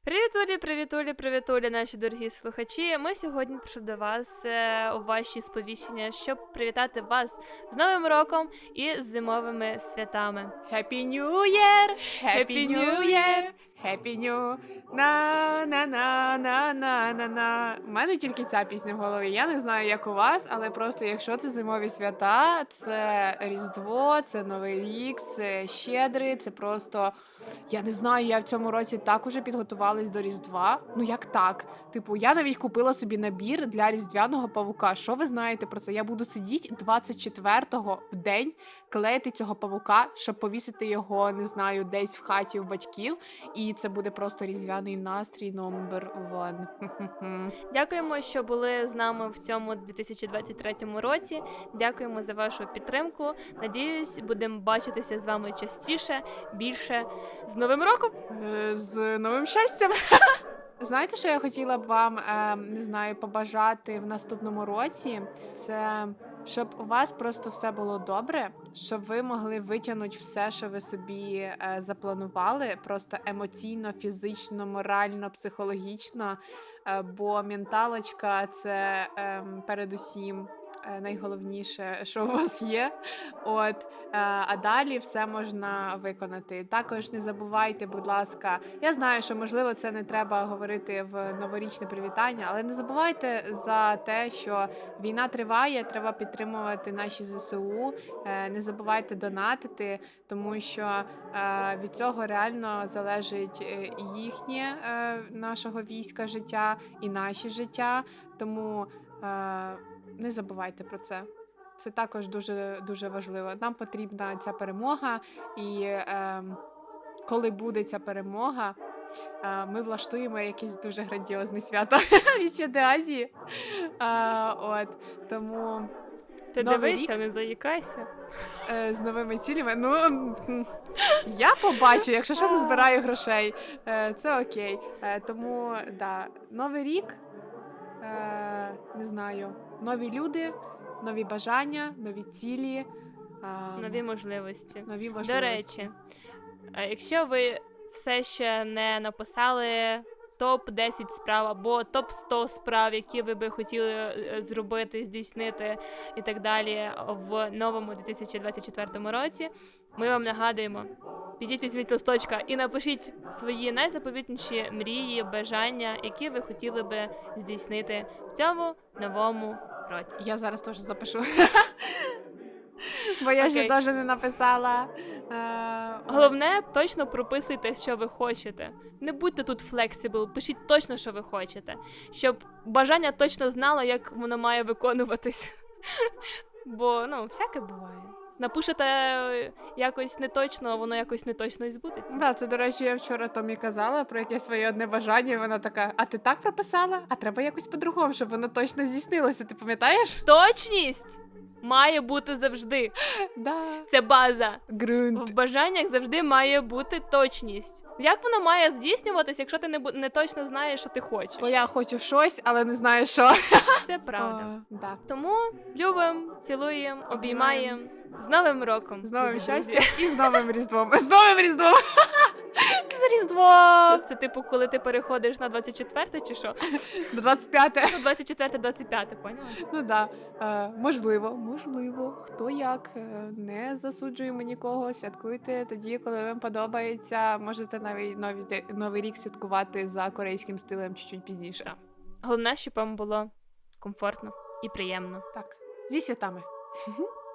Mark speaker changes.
Speaker 1: Привітулі, наші дорогі слухачі. Ми сьогодні прийшли до вас у ваші сповіщення, щоб привітати вас з Новим роком і з зимовими святами.
Speaker 2: Happy New Year!
Speaker 1: Happy New Year!
Speaker 2: Happy New на. У мене тільки ця пісня в голові. Я не знаю, як у вас, але просто якщо це зимові свята, це Різдво, це Новий рік, це Щедрий, це просто... Я не знаю, я в цьому році так уже підготувалась до Різдва. Ну як так? Типу, я навіть купила собі набір для Різдвяного павука. Що ви знаєте про це? Я буду сидіти 24-го в день, клеїти цього павука, щоб повісити його, не знаю, десь в хаті у батьків. І це буде просто різдвяний настрій номер 1.
Speaker 1: Дякуємо, що були з нами в цьому 2023 році. Дякуємо за вашу підтримку. Надіюсь, будемо бачитися з вами частіше, більше. З Новим роком!
Speaker 2: З новим щастям! Знаєте, що я хотіла б вам, не знаю, побажати в наступному році? Це щоб у вас просто все було добре, щоб ви могли витягнути все, що ви собі запланували, просто емоційно, фізично, морально, психологічно, бо менталочка – це передусім найголовніше, що у вас є. А далі все можна виконати. Також не забувайте, будь ласка, я знаю, що, можливо, це не треба говорити в новорічне привітання, але не забувайте за те, що війна триває, треба підтримувати наші ЗСУ, не забувайте донатити, тому що від цього реально залежить їхнє, нашого війська життя і наші життя, тому не забувайте про це. Це також дуже, дуже важливо. Нам потрібна ця перемога, і коли буде ця перемога, ми влаштуємо якесь дуже грандіозне свято від Щедрої Азії. Тому
Speaker 1: Ти
Speaker 2: Новий
Speaker 1: дивися,
Speaker 2: рік
Speaker 1: не заїкайся.
Speaker 2: з новими цілями. Я побачу, якщо що, не збираю грошей. Це окей. Тому, да, Новий рік, не знаю, нові люди, нові бажання, нові цілі.
Speaker 1: Нові можливості.
Speaker 2: Нові можливості.
Speaker 1: До речі, якщо ви все ще не написали топ-10 справ або топ-100 справ, які ви би хотіли зробити, здійснити і так далі в новому 2024 році, ми вам нагадуємо, підіть візьміть листочка і напишіть свої найзаповітніші мрії, бажання, які ви хотіли би здійснити в цьому новому році.
Speaker 2: Я зараз теж запишу. Бо я ще теж не написала.
Speaker 1: Головне, точно прописуйте, що ви хочете. Не будьте тут флексибл, пишіть точно, що ви хочете. Щоб бажання точно знало, як воно має виконуватись. Бо, всяке буває. Напишете якось неточно, а воно якось неточно і збудеться.
Speaker 2: Да, це, до речі, я вчора Томі казала про якесь своє одне бажання, і вона така, а ти так прописала? А треба якось по-другому, щоб воно точно здійснилося, ти пам'ятаєш?
Speaker 1: Точність має бути завжди.
Speaker 2: Да.
Speaker 1: Це база.
Speaker 2: Ґрунт.
Speaker 1: В бажаннях завжди має бути точність. Як воно має здійснюватись, якщо ти не точно знаєш, що ти хочеш?
Speaker 2: Бо я хочу щось, але не знаю, що.
Speaker 1: Це правда.
Speaker 2: Да.
Speaker 1: Тому любимо, цілуємо, обіймаємо. З Новим роком!
Speaker 2: З новим
Speaker 1: друзі.
Speaker 2: щастям і з новим Різдвом. З новим Різдвом! З Різдвом!
Speaker 1: Це типу, коли ти переходиш на 24 чи що?
Speaker 2: До 25-те.
Speaker 1: 24-25, поняла?
Speaker 2: Ну да. Можливо. Хто як. Не засуджуємо нікого. Святкуйте тоді, коли вам подобається. Можете навіть новий рік святкувати за корейським стилем чуть-чуть пізніше.
Speaker 1: Так. Головне, щоб вам було комфортно і приємно.
Speaker 2: Так. Зі святами.